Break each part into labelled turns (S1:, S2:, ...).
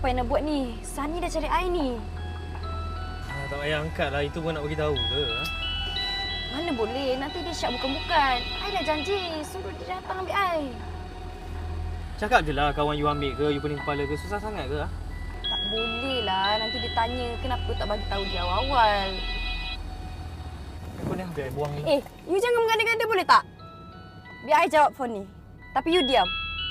S1: Apa yang nak buat ni? Sani dah cari I ni.
S2: Tak payah angkat lah. Itu pun nak bagi tahu ke? Ha?
S1: Mana boleh? Nanti dia syak bukan-bukan. I dah janji. Suruh dia datang ambil I.
S2: Cakap je lah kawan you ambil ke, you pening kepala ke, susah sangat ke? Ha?
S1: Tak boleh lah. Nanti dia tanya kenapa tak bagi tahu dia awal-awal.
S2: Kau ni biar I buang ni.
S1: You jangan mengada-ngada boleh tak? Biar I jawab phone ni. Tapi you diam.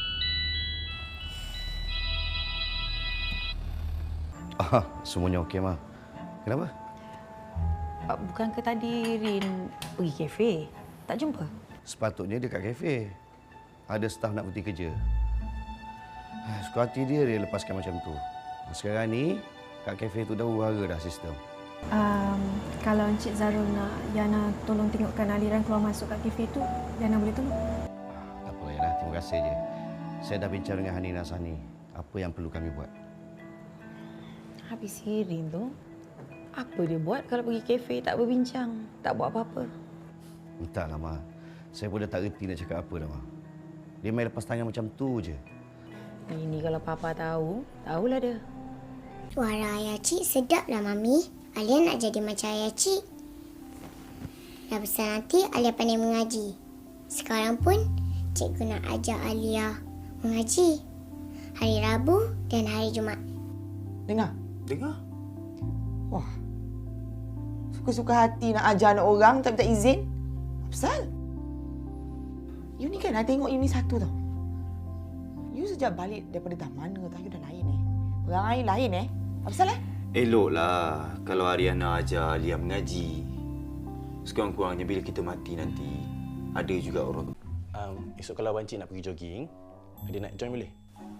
S3: Semuanya okey, Ma. Kenapa?
S4: Bukankah tadi Rin pergi kafe? Tak jumpa?
S3: Sepatutnya dia kat kafe. Ada staf nak berhenti kerja. Suka hati dia lepaskan macam tu. Sekarang ni, kat kafe tu dah huru-hara dah sistem.
S5: Kalau Encik Zarul nak Yana tolong tengokkan aliran keluar masuk kat kafe tu, Yana boleh tolong?
S3: Tak apa, Yana. Terima kasih je. Saya dah bincang dengan Hani dan Sani. Apa yang perlu kami buat.
S4: Habis si Rin tu, apa dia buat kalau pergi kafe tak berbincang, tak buat apa-apa?
S3: Entahlah, Ma. Saya pun dah tak reti nak cakap apa dah, Ma. Dia main lepas tangan macam tu je.
S4: Ini kalau Papa tahu, tahulah dia.
S6: Suara ayah cik sedaplah, Mami. Alia nak jadi macam ayah cik. Dah besar nanti Alia pandai mengaji. Sekarang pun cikgu nak ajar Alia mengaji. Hari Rabu dan hari Jumaat.
S7: Dengar.
S8: Wah. Suka-suka hati nak ajar anak orang tak minta izin. Apa pasal? You ni kan, I tengok you ni satu tau. You sejak balik daripada dah mana tau, you dah lain Perangai lain Apa pasal
S9: Eloklah kalau Ariana ajar Alia mengaji. Sekurang-kurangnya bila kita mati nanti, ada juga orang.
S10: Esok kalau Abang Cik nak pergi jogging, dia nak join boleh?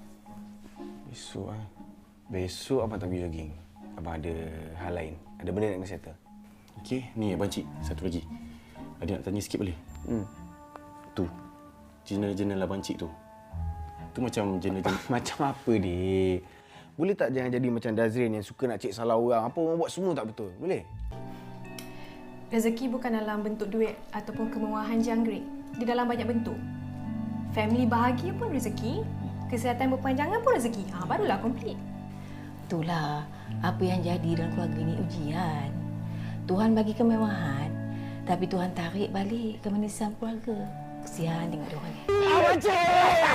S9: Besok Abang tak pergi jogging. Abang ada hal lain. Ada benda nak kena settle.
S10: Okey, ni Abang Cik, satu lagi. Ada nak tanya sikit boleh? Tu. Jurnal-jurnal Abang Cik tu. Tu macam jurnal-jurnal.
S7: Macam apa, Dik? Boleh tak jangan jadi macam Dazrin yang suka nak cek salah orang. Apa orang buat semua tak betul. Boleh?
S5: Rezeki bukan dalam bentuk duit ataupun kemewahan jangkrik. Di dalam banyak bentuk. Family bahagia pun rezeki. Kesihatan berpanjangan pun rezeki. Barulah komplit.
S4: Itulah apa yang jadi dalam keluarga ni ujian. Tuhan bagi kemewahan, tapi Tuhan tarik balik kemanisan keluarga. Kesian tengok dia orang ni.
S7: Abang Cik!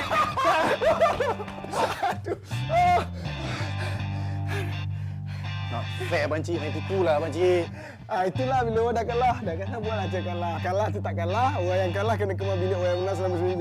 S10: Nak fair Abang Cik, main tipulah Abang Cik.
S7: Itulah bila orang dah kalah. Dah kata buatlah macam kalah. Kalah tu tak kalah. Orang yang kalah kena kemas bilik orang yang menang selama seminggu.